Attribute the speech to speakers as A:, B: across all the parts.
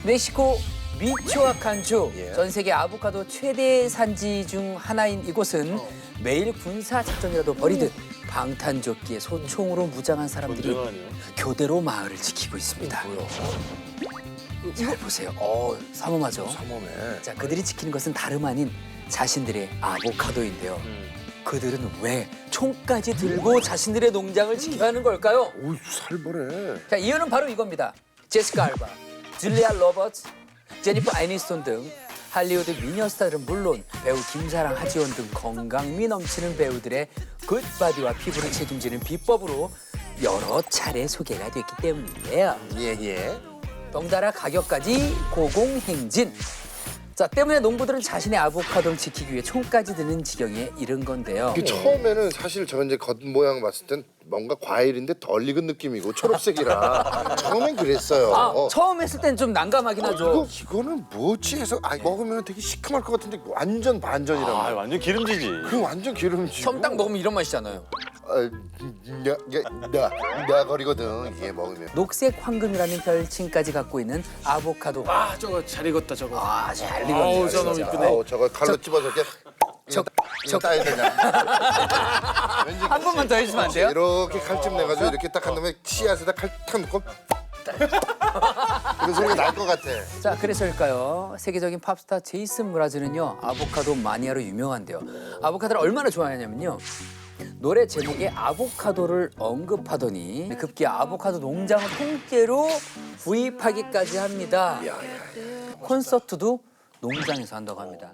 A: 멕시코 미초아칸주 전 세계 아보카도 최대 산지 중 하나인 이곳은 매일 군사 작전이라도 벌이듯 방탄조끼에 소총으로 무장한 사람들이 교대로 마을을 지키고 있습니다. 잘 보세요. 삼엄하죠.
B: 삼엄해.
A: 자, 그들이 지키는 것은 다름 아닌 자신들의 아보카도인데요. 그들은 왜 총까지 들고 자신들의 농장을 지켜야 하는 걸까요?
B: 오, 살벌해.
A: 자, 이유는 바로 이겁니다. 제시카 알바, 줄리아 로버츠, 제니퍼 애니스톤 등 할리우드 미녀 스타들은 물론 배우 김사랑, 하지원 등 건강미 넘치는 배우들의 굿바디와 피부를 책임지는 비법으로 여러 차례 소개가 됐기 때문인데요.
B: 예.
A: 덩달아 가격까지 고공행진. 자, 때문에 농부들은 자신의 아보카도를 지키기 위해 총까지 드는 지경에 이른 건데요.
B: 그 처음에는 사실 저 이제 겉모양 봤을 땐 뭔가 과일인데 덜 익은 느낌이고 초록색이라 처음엔 그랬어요.
A: 처음 했을 땐 좀 난감하긴 하죠.
B: 이거는 뭐지 해서 먹으면 되게 시큼할 것 같은데 완전 반전이란 말이야.
C: 완전 기름지지.
B: 그 완전 기름지고.
A: 처음 딱 먹으면 이런 맛이잖아요.
B: 나거리거든 이게 먹으면.
A: 녹색 황금이라는 별칭까지 갖고 있는 아보카도.
D: 아 저거 잘 익었다 저거.
A: 잘 익었네요.
D: 저거
A: 진짜.
D: 이쁘네.
B: 저거 칼로 찝어서 이렇게 이거 따야 되냐. 왠지
A: 한 번만 더 해주시면 안 돼요?
B: 이렇게 칼집 내가지고 이렇게 딱 한 다음에 씨앗에다 칼 탁 넣고 그 소리가 날 것 같아.
A: 자, 그래서일까요? 세계적인 팝스타 제이슨 무라즈는요, 아보카도 마니아로 유명한데요. 아보카도를 얼마나 좋아하냐면요. 노래 제목에 아보카도를 언급하더니 급기야 아보카도 농장을 통째로 구입하기까지 합니다. 콘서트도 농장에서 한다고 합니다.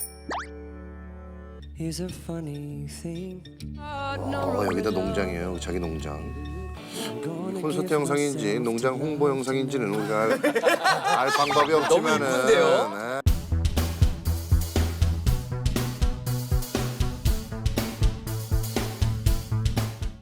B: 여기다 농장이에요. 자기 농장. 콘서트 영상인지 농장 홍보 영상인지는 우리가 알 방법이 없지만은
A: 이쁜데요?